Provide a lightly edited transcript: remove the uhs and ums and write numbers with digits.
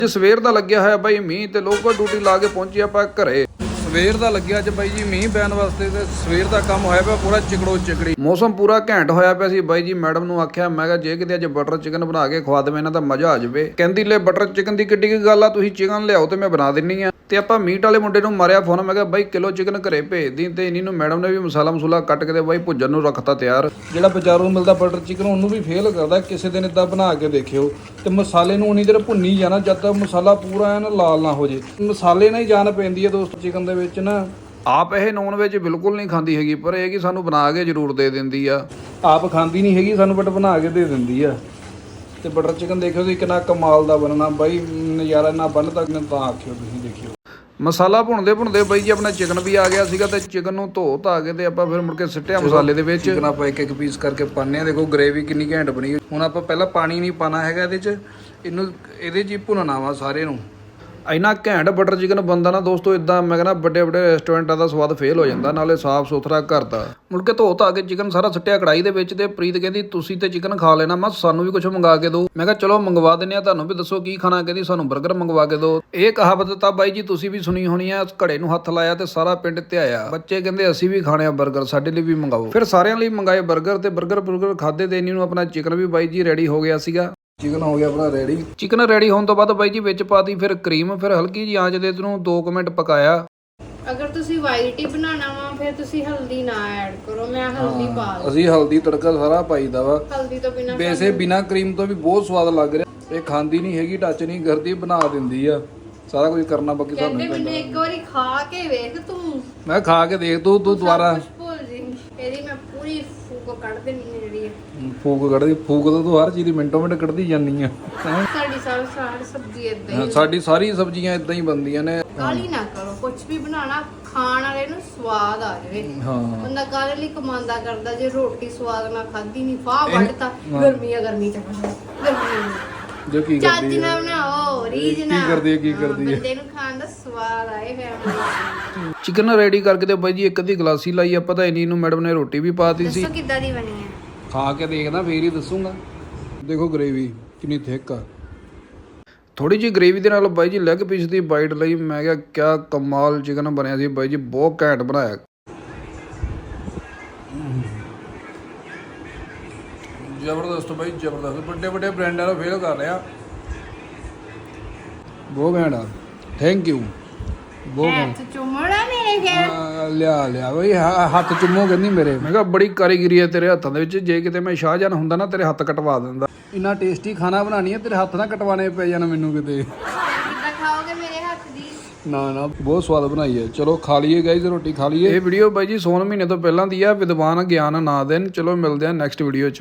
ਸਵੇਰ ਦਾ ਲੱਗਿਆ ਹੋਇਆ ਬਾਈ ਮੀਂਹ ਤੇ ਲੋਕਲ ਡਿਊਟੀ ਲਾ ਕੇ ਪਹੁੰਚੇ ਆਪਾਂ ਘਰੇ। ਸਵੇਰ ਦਾ ਲੱਗਿਆ ਅੱਜ ਬਾਈ ਜੀ ਮੀਂਹ ਪੈਣ ਵਾਸਤੇ ਤੇ ਸਵੇਰ ਦਾ ਕੰਮ ਹੋਇਆ ਪਿਆ ਪੂਰਾ ਚਿਕੜੋ ਚਿਕੜੀ। ਮੌਸਮ ਪੂਰਾ ਘੈਂਟ ਹੋਇਆ ਪਿਆ ਸੀ ਬਾਈ ਜੀ। ਮੈਡਮ ਨੂੰ ਆਖਿਆ ਮੈਂ ਕਿਹਾ ਜੇ ਕਿਤੇ ਅੱਜ ਬਟਰ ਚਿਕਨ ਬਣਾ ਕੇ ਖਵਾ ਦੇਵੇਂ ਇਹਨਾਂ ਦਾ ਮਜ਼ਾ ਆ ਜਾਵੇ। ਕਹਿੰਦੀ ਲੈ ਬਟਰ ਚਿਕਨ ਦੀ ਕਿੱਡੀ ਕੀ ਗੱਲ ਆ, ਤੁਸੀਂ ਚਿਕਨ ਲਿਆਓ ਤੇ ਮੈਂ ਬਣਾ ਦਿੰਨੀ ਆ। ਤੇ ਆਪਾਂ ਮੀਟ ਵਾਲੇ ਮੁੰਡੇ ਨੂੰ ਮਾਰਿਆ ਫੋਨ, ਮੈਂ ਕਿਹਾ ਬਾਈ ਕਿਲੋ ਚਿਕਨ ਘਰੇ ਭੇਜ ਦੀ। ਤੇ ਇਨੀ ਨੂੰ ਮੈਡਮ ਨੇ ਵੀ ਮਸਾਲਾ ਕੱਟ ਕੇ ਤੇ ਬਾਈ ਭੁੱਜਣ ਨੂੰ ਰੱਖਤਾ ਤਿਆਰ। ਜਿਹੜਾ ਬਾਜ਼ਾਰੋਂ ਮਿਲਦਾ ਬਟਰ ਚਿਕਨ ਉਹਨੂੰ ਵੀ ਫੇਲ ਕਰਦਾ। ਕਿਸੇ ਦਿਨ ਇਦਾਂ ਬਣਾ ਕੇ ਦੇਖਿਓ ਤੇ ਮਸਾਲੇ ਨੂੰ ਉਨੀ ਦੇਰ ਭੁੰਨੀ ਜਾਣਾ ਜਦ ਤੱਕ ਮਸਾਲਾ ਪੂਰਾ ਐਨ ਲਾਲ ਨਾ ਹੋ ਜੇ। ਮਸਾਲੇ ਨਾਲ ਹੀ ਜਾਨ ਪੈਂਦੀ ਹੈ ਦੋਸਤੋ ਚਿਕਨ ਦੇ ਵਿੱਚ ਨਾ। ਆਪ ਇਹ ਨੌਨ ਵੈਜ ਬਿਲਕੁਲ ਨਹੀਂ ਖਾਂਦੀ ਹੈਗੀ, ਪਰ ਇਹ ਕਿ ਸਾਨੂੰ ਬਣਾ ਕੇ ਜ਼ਰੂਰ ਦੇ ਦਿੰਦੀ ਆ। ਆਪ ਖਾਂਦੀ ਨਹੀਂ ਹੈਗੀ ਸਾਨੂੰ, ਬਟ ਬਣਾ ਕੇ ਦੇ ਦਿੰਦੀ ਆ। ਤੇ ਬਟਰ ਚਿਕਨ ਦੇਖਿਓ ਤੁਸੀਂ ਕਿੰਨਾ ਕਮਾਲ ਦਾ ਬਣਨਾ ਬਾਈ, ਨਜ਼ਾਰਾ ਨਾ ਬਣ ਤੱਕ ਤਾਂ ਆਖਿਓ ਤੁਸੀਂ ਦੇਖਿਓ। ਮਸਾਲਾ ਭੁੰਨਦੇ ਬਾਈ ਜੀ ਆਪਣਾ ਚਿਕਨ ਵੀ ਆ ਗਿਆ ਸੀਗਾ ਤੇ ਚਿਕਨ ਨੂੰ ਧੋ ਧਾ ਕੇ ਤੇ ਆਪਾਂ ਫਿਰ ਮੁੜ ਕੇ ਸਿੱਟਿਆ ਮਸਾਲੇ ਦੇ ਵਿੱਚ। ਚਿਕਨ ਆਪਾਂ ਇੱਕ ਪੀਸ ਕਰਕੇ ਪਾਉਂਦੇ ਆ। ਦੇਖੋ ਗ੍ਰੇਵੀ ਕਿੰਨੀ ਘੈਂਟ ਬਣੀ। ਹੁਣ ਆਪਾਂ ਪਹਿਲਾਂ ਪਾਣੀ ਨਹੀਂ ਪਾਣਾ ਹੈਗਾ ਇਹਦੇ 'ਚ, ਇਹਦੇ 'ਚ ਹੀ ਭੁੰਨਣਾ ਵਾ ਸਾਰੇ ਨੂੰ। ਇੰਨਾ ਘੈਂਟ ਬਟਰ ਚਿਕਨ ਬਣਦਾ ਨਾ ਦੋਸਤੋ, ਇਦਾਂ ਮੈਂ ਕਹਿੰਦਾ ਵੱਡੇ ਰੈਸਟੋਰੈਂਟਾਂ ਦਾ ਸਵਾਦ ਫੇਲ ਹੋ ਜਾਂਦਾ। ਨਾਲੇ ਸਾਫ਼ ਸੁਥਰਾ ਘਰ ਦਾ। ਮੁੜ ਕੇ ਧੋ ਧਾ ਕੇ ਚਿਕਨ ਸਾਰਾ ਸਿੱਟਿਆ ਕੜਾਈ ਦੇ ਵਿੱਚ। ਤੇ ਪ੍ਰੀਤ ਕਹਿੰਦੀ ਤੁਸੀਂ ਤੇ ਚਿਕਨ ਖਾ ਲੈਣਾ, ਮੈਂ ਸਾਨੂੰ ਵੀ ਕੁਝ ਮੰਗਾ ਕੇ ਦਿਓ। ਮੈਂ ਕਿਹਾ ਚਲੋ ਮੰਗਵਾ ਦਿੰਦੇ ਆ, ਤੁਹਾਨੂੰ ਵੀ ਦੱਸੋ ਕੀ ਖਾਣਾ। ਕਹਿੰਦੀ ਸਾਨੂੰ 버ਗਰ ਮੰਗਵਾ ਕੇ ਦਿਓ। ਇਹ ਕਹਾਵਤ ਤਾਂ ਬਾਈ ਜੀ ਤੁਸੀਂ ਵੀ ਸੁਣੀ ਹੋਣੀ ਆ। ਘੜੇ ਨੂੰ ਹੱਥ ਲਾਇਆ ਤੇ ਸਾਰਾ ਪਿੰਡ ਧਿਆਇਆ। ਬੱਚੇ ਕਹਿੰਦੇ ਅਸੀਂ ਵੀ ਖਾਣੇ ਆ 버ਗਰ, ਸਾਡੇ ਲਈ ਵੀ ਮੰਗਾਓ। ਫਿਰ ਸਾਰਿਆਂ ਲਈ ਮੰਗਾਏ 버ਗਰ ਤੇ 버ਗਰ ਖਾਦੇ ਤੇ ਇਨੀ ਨੂੰ ਆਪਣਾ ਚਿਕਨ ਵੀ ਬਾਈ ਜੀ ਰੈਡੀ ਹੋ ਗਿਆ ਸੀਗਾ। ਚਿਕਨ ਹੋ ਗਿਆ ਆਪਣਾ ਰੈਡੀ। ਚਿਕਨ ਰੈਡੀ ਹੋਣ ਤੋਂ ਬਾਅਦ ਬਾਈ ਜੀ ਵਿੱਚ ਪਾਤੀ ਫਿਰ ਕਰੀਮ। ਫਿਰ ਹਲਕੀ ਜਿਹੀ ਆਂਚ ਦੇ ਇਹਨੂੰ 2 ਮਿੰਟ ਪਕਾਇਆ। ਅਗਰ ਤੁਸੀਂ ਵਾਈਟ ਹੀ ਬਣਾਉਣਾ ਵਾ ਫਿਰ ਤੁਸੀਂ ਹਲਦੀ ਨਾ ਐਡ ਕਰੋ। ਮੈਂ ਹਲਦੀ ਪਾ ਲਈ। ਅਸੀਂ ਹਲਦੀ ਤੜਕਾ ਸਾਰਾ ਪਾਈਦਾ ਵਾ। ਹਲਦੀ ਤੋਂ ਬਿਨਾ ਵੈਸੇ ਬਿਨਾ ਕਰੀਮ ਤੋਂ ਵੀ ਬਹੁਤ ਸਵਾਦ ਲੱਗ ਰਿਹਾ। ਇਹ ਖਾਂਦੀ ਨਹੀਂ ਹੈਗੀ, ਟੱਚ ਨਹੀਂ ਕਰਦੀ, ਬਣਾ ਦਿੰਦੀ ਆ। ਸਾਰਾ ਕੁਝ ਕਰਨਾ ਬਾਕੀ ਸਾਨੂੰ ਕਹਿੰਦੇ ਮੈਨੂੰ ਇੱਕ ਵਾਰੀ ਖਾ ਕੇ ਵੇਖ ਤੂੰ। ਮੈਂ ਖਾ ਕੇ ਦੇਖ ਤੂੰ ਦੁਬਾਰਾ ਭੁੱਲ ਜੀ। ਇਹਦੀ ਮੈਂ ਪੂਰੀ ਫੂਕ ਕੱਢ ਦੇਣੀ ਹੈ ਜਿਹੜੀ ਫੂਕ ਕੱਢਦੀ। ਫੂਕ ਤਾਂ ਤੂੰ ਹਰ ਚੀਜ਼ ਦੀ ਮਿੰਟੋ ਮਿੰਟ ਕੱਢਦੀ ਜਾਂਦੀ ਆ। ਸਾਡੀ ਸਾਰੀ ਸਬਜ਼ੀ ਇਦਾਂ ਹੀ। ਸਾਡੀ ਸਾਰੀ ਸਬਜ਼ੀਆਂ ਇਦਾਂ ਹੀ ਬਣਦੀਆਂ ਨੇ। ਕਾਲੀ ਨਾ ਕਰੋ, ਕੁਝ ਵੀ ਬਣਾਣਾ ਖਾਣ ਵਾਲੇ ਨੂੰ ਸਵਾਦ ਆ ਜਾਵੇ। ਬੰਦਾ ਕਾਲੇ ਲਈ ਕਮਾਂਦਾ ਕਰਦਾ, ਜੇ ਰੋਟੀ ਸਵਾਦ ਨਾਲ ਖਾਧੀ ਨਹੀਂ ਫਾਹ ਵੱਢਤਾ। ਗਰਮੀ ਚ ਜੋ ਕੀ ਚੱਜ ਕਰਦੀ ਨਾਲ ਬਣਾਓ, ਰੀਝ ਨਾਲ। ਕੀ ਕਰਦੀ ਹੈ ਬੰਦੇ ਨੂੰ ਖਾਣ ਦਾ ਸਵਾਦ ਆਏ ਫੈਮਿਲੀ। ਚਿਕਨ ਰੈਡੀ ਕਰਕੇ ਤੇ ਬਾਈ ਜੀ ਇੱਕ ਅੱਧੀ ਗਲਾਸੀ ਲਾਈ ਆਪਾਂ ਤਾਂ ਇਨੀ ਨੂੰ ਮੈਡਮ ਨੇ ਰੋਟੀ ਵੀ ਪਾਤੀ ਸੀ। ਦੱਸੋ ਕਿੱਦਾਂ ਦੀ ਬਣੀ ਹੈ? ਖਾ ਕੇ ਦੇਖਦਾ ਫੇਰ ਹੀ ਦੱਸੂਗਾ। ਦੇਖੋ ਗ੍ਰੇਵੀ ਕਿੰਨੀ ਥਿਕ ਆ। ਥੋੜੀ ਜਿਹੀ ਗ੍ਰੇਵੀ ਦੇ ਨਾਲ ਬਾਈ ਜੀ ਲੈਗ ਪੀਸ ਦੀ ਬਾਈਟ ਲਈ। ਮੈਂ ਕਿਹਾ ਕਿਆ ਕਮਾਲ ਚਿਕਨ ਬਣਿਆ ਸੀ ਬਾਈ ਜੀ, ਬਹੁਤ ਘੈਂਟ ਬਣਾਇਆ। ਜ਼ਬਰਦਸਤ ਬਾਈ ਜ਼ਬਰਦਸਤ। ਵੱਡੇ ਬ੍ਰਾਂਡਾਂ ਦਾ ਫੇਲ ਕਰ ਰਿਹਾ। ਬਹੁਤ ਘੈਂਟ ਆ। Thank you. ਬਹੁਤ ਹੱਥ ਚੁੰਮਣਾ ਮੇਰੇ ਖਿਆਲ। ਲਿਆ ਬਈ ਹੱਥ ਚੁੰਮੋ ਕਹਿੰਦੀ ਮੇਰੇ। ਮੈਂ ਕਿਹਾ ਬੜੀ ਕਾਰੀਗਰੀ ਹੈ ਤੇਰੇ ਹੱਥਾਂ ਦੇ ਵਿੱਚ। ਜੇ ਕਿਤੇ ਮੈਂ ਸ਼ਾਹਜਹਾਨ ਹੁੰਦਾ ਨਾ ਤੇਰੇ ਹੱਥ ਕਟਵਾ ਦਿੰਦਾ। ਇੰਨਾ ਟੇਸਟੀ ਖਾਣਾ ਬਣਾਉਣੀ ਹੈ, ਤੇਰੇ ਹੱਥ ਨਾ ਕਟਵਾਣੇ ਪੈ ਜਾਣ ਮੈਨੂੰ ਕਿਤੇ। ਕਿੱਦਾਂ ਖਾਓਗੇ ਮੇਰੇ ਹੱਥ ਦੀ? ਨਾ ਬਹੁਤ ਸਵਾਦ ਬਣਾਈ ਹੈ। ਚਲੋ ਖਾ ਲਈਏ ਗਾਈਜ਼, ਰੋਟੀ ਖਾ ਲਈਏ। ਇਹ ਵੀਡੀਓ ਬਾਈ ਜੀ ਸੌਣ ਮਹੀਨੇ ਤੋਂ ਪਹਿਲਾਂ ਦੀ ਆ। ਵਿਦਵਾਨ ਗਿਆਨ ਨਾ ਦੇਣ। ਚਲੋ ਮਿਲਦੇ ਆ ਨੈਕਸਟ ਵੀਡੀਓ 'ਚ।